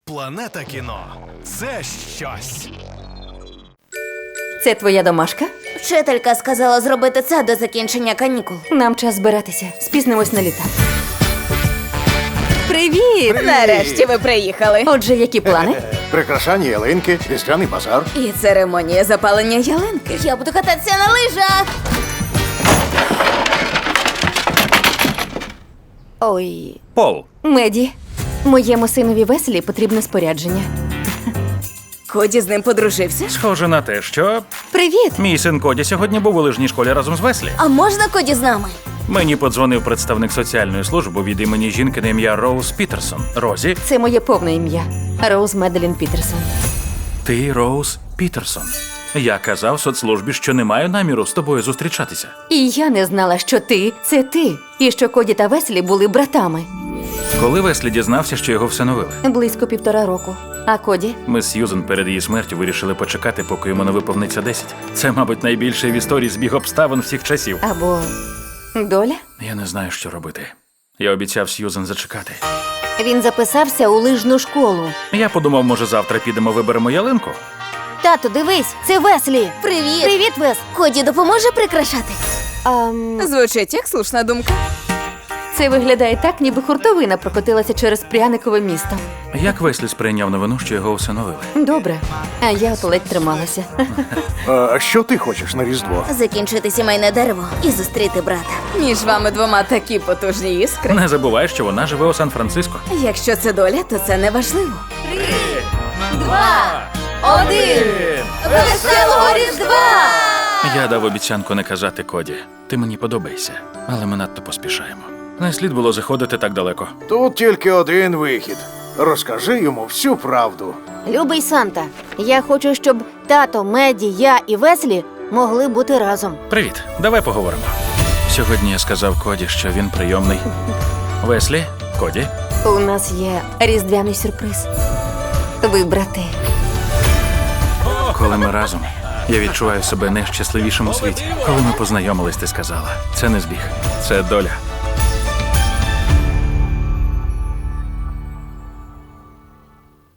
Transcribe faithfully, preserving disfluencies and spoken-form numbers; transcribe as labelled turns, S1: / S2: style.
S1: Планета кіно – це щось.
S2: Це твоя домашка?
S3: Вчителька сказала зробити це до закінчення канікул.
S2: Нам час збиратися. Спізнимось на літак. Привіт!
S3: Нарешті ви приїхали.
S2: Отже, які плани?
S4: Прикрашання ялинки, різдвяний базар.
S3: І церемонія запалення ялинки. Я буду кататися на лижах.
S2: Ой,
S5: Пол,
S2: Меді, моєму синові Веселі потрібне спорядження.
S3: Коді з ним подружився.
S5: схоже на те, що
S2: Привіт!
S5: мій син Коді сьогодні був у лижній школі разом з Веслі.
S3: А можна Коді з нами?
S5: Мені подзвонив представник соціальної служби від імені жінки на ім'я Роуз Пітерсон. Розі,
S2: Це моє повне ім'я. Роуз Меделін Пітерсон.
S5: ти Роуз Пітерсон. Я казав соцслужбі, що не маю наміру з тобою зустрічатися.
S2: І я не знала, що ти – це ти. І що Коді та Веселі були братами.
S5: Коли Веслі дізнався, що його всиновили,
S2: Близько півтора року. А Коді?
S5: ми з Сьюзен перед її смертю вирішили почекати, поки йому не виповниться десять. Це, мабуть, найбільший в історії збіг обставин всіх часів.
S2: Або доля?
S5: Я не знаю, що робити. Я обіцяв Сьюзен зачекати.
S2: Він записався у лижну школу.
S5: Я подумав, може, завтра підемо виберемо ялинку?
S2: Тату, дивись, це Веслі.
S3: Привіт.
S2: Привіт, Вес.
S3: Коді допоможе прикрашати?
S2: Ам,
S3: Звучить як слушна думка.
S2: це виглядає так, ніби хуртовина прокотилася через пряникове місто.
S5: Як Веслі сприйняв новину, що його усиновили?
S2: Добре, а я от ледь трималася.
S4: А що ти хочеш на Різдво?
S3: Закінчити сімейне дерево і зустріти брата. Між вами двома такі потужні іскри.
S5: Не забувай, що вона живе у Сан-Франциско.
S3: Якщо це доля, то це не важливо.
S2: Два, один! Веселого Різдва!
S5: Я дав обіцянку не казати Коді. Ти мені подобаєшся, але ми надто поспішаємо. Не слід було заходити так далеко.
S4: Тут тільки один вихід. Розкажи йому всю правду.
S2: Любий Санта, я хочу, щоб тато, Меді, я і Веслі могли бути разом.
S5: Привіт, давай поговоримо. Сьогодні я сказав Коді, що він прийомний. Веслі, Коді,
S2: У нас є різдвяний сюрприз. Ви брати.
S5: коли ми разом, я відчуваю себе найщасливішим у світі. Коли ми познайомились, ти сказала, це не збіг, це доля.